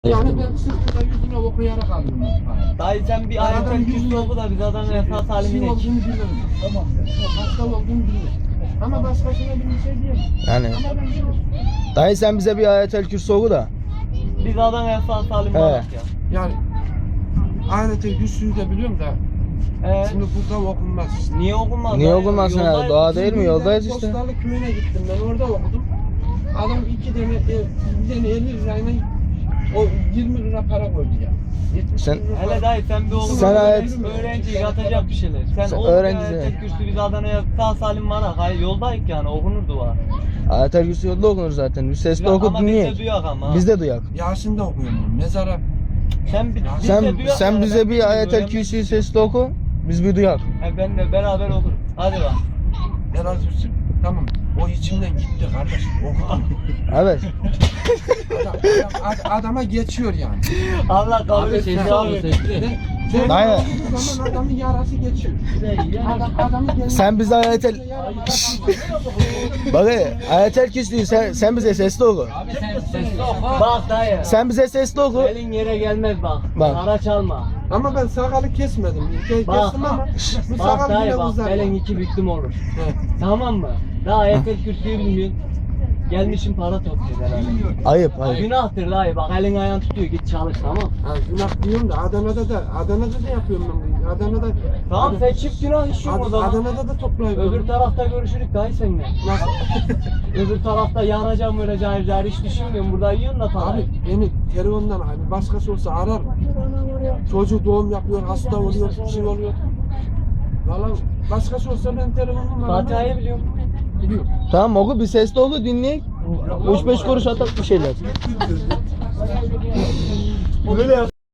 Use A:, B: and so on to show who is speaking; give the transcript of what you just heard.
A: Yani ben sırtında yüzüne okuyarak aldım.
B: Dayı sen bir ayetel kürsü oku da biz adamın esas halini
A: Şey
B: bil.
A: olduğunu bilirim. Tamam ya. Hasta olduğunu bilirim. Ama başkasına bir şey diyemem.
C: Yani
A: Ama ben bilirim.
C: dayı sen bize bir ayetel kürsü oku da.
B: Biz adamın esas halini
C: He.
B: bak ya.
A: Yani ahirete yüzsüzü de biliyorum da şimdi burada okunmaz.
B: Niye okunmaz?
C: Niye
B: dayı?
C: okunmasın ya?
B: Yoldayız.
C: Doğa değil mi? Yoldayız işte.
A: Postalı köyüne gittim ben orada okudum. Adam bir tane 50 lirayla o 20 lira para koydu ya. 70
C: Sen-
A: lira
B: Hele
A: para.
B: dayı sen bir oku.
C: Sen
B: öğrenci yatacak bir şeyler. Sen oku
C: öğrenci
B: ya,
C: sen.
B: ayetel kürsü biz Adana'ya sağ salim varak. Hayır yoldayız yani okunur dua.
C: Ayetel kürsü yolda okunur zaten. Bir sesle oku
B: Ama biz de
C: dinleyek.
B: duyak ama.
C: Biz de duyak.
A: Yasin de okuyorum ben. Mezara
B: Sen, biz
C: Sen
B: de duyak
C: sen
B: yani,
C: bize
B: ben
C: bir ayetel
B: öğrenmek
C: kürsüyü
B: istiyorum.
C: sesle oku. Biz bir duyak.
B: Benle beraber okur. Hadi bak.
A: helal olsun. Tamam. O içimden gitti kardeşim. Okudum.
C: Evet.
A: Adama geçiyor yani.
B: Allah kabul
A: Abi,
B: etsin.
A: sen-
B: Abi.
A: Ben
C: Aynen.
A: okuduğum zaman adamın yarası geçiyor. Adamın kendine-
C: Sen bize ayetel...
A: Şşş.
C: Bak ayetel kürsüyü sen bize sesli oku.
B: Abi sen sesli oku. Bak dayı.
C: Sen bize sesli oku.
B: Elin yere gelmez bak.
C: Bak.
B: Araç alma.
A: Ama ben sakalı kesmedim.
B: Bak.
A: Kestim ama bu
B: Bak
A: sakal
B: dayı
A: yine
B: bak.
A: uzar.
B: Elin iki büklüm olur.
A: Evet.
B: Tamam mı? Daha ayetel kürsüyü bilmiyorsun. Gelmişim para topluyor herhalde.
C: Ayıp ayıp.
B: Günahtır dayı bak elin ayağın tutuyor git çalış tamam.
A: Ha, günah diyorum da Adana'da da yapıyorum ben bunu. Adana'da
B: Tamam sen çift günah işiyorsun o zaman.
A: Adana'da da toplayıyorum.
B: Öbür tarafta görüşürük dayı seninle.
A: Nasıl?
B: Öbür tarafta yanacağım öyle cahil cahil hiç düşünmüyorum. Burada yiyorsun da parayı.
A: Abi beni telefondan abi başkası olsa arar mı? Çocuk doğum yapıyor, hasta oluyor, bir şey oluyor. Valla başkası olsa ben telefonum
B: Fatiha'yı biliyorum.
A: biliyorum.
C: Tamam oku bir sesli oku dinleyek. 3-5 kuruş atak bir şeyler.
B: Böyle yap.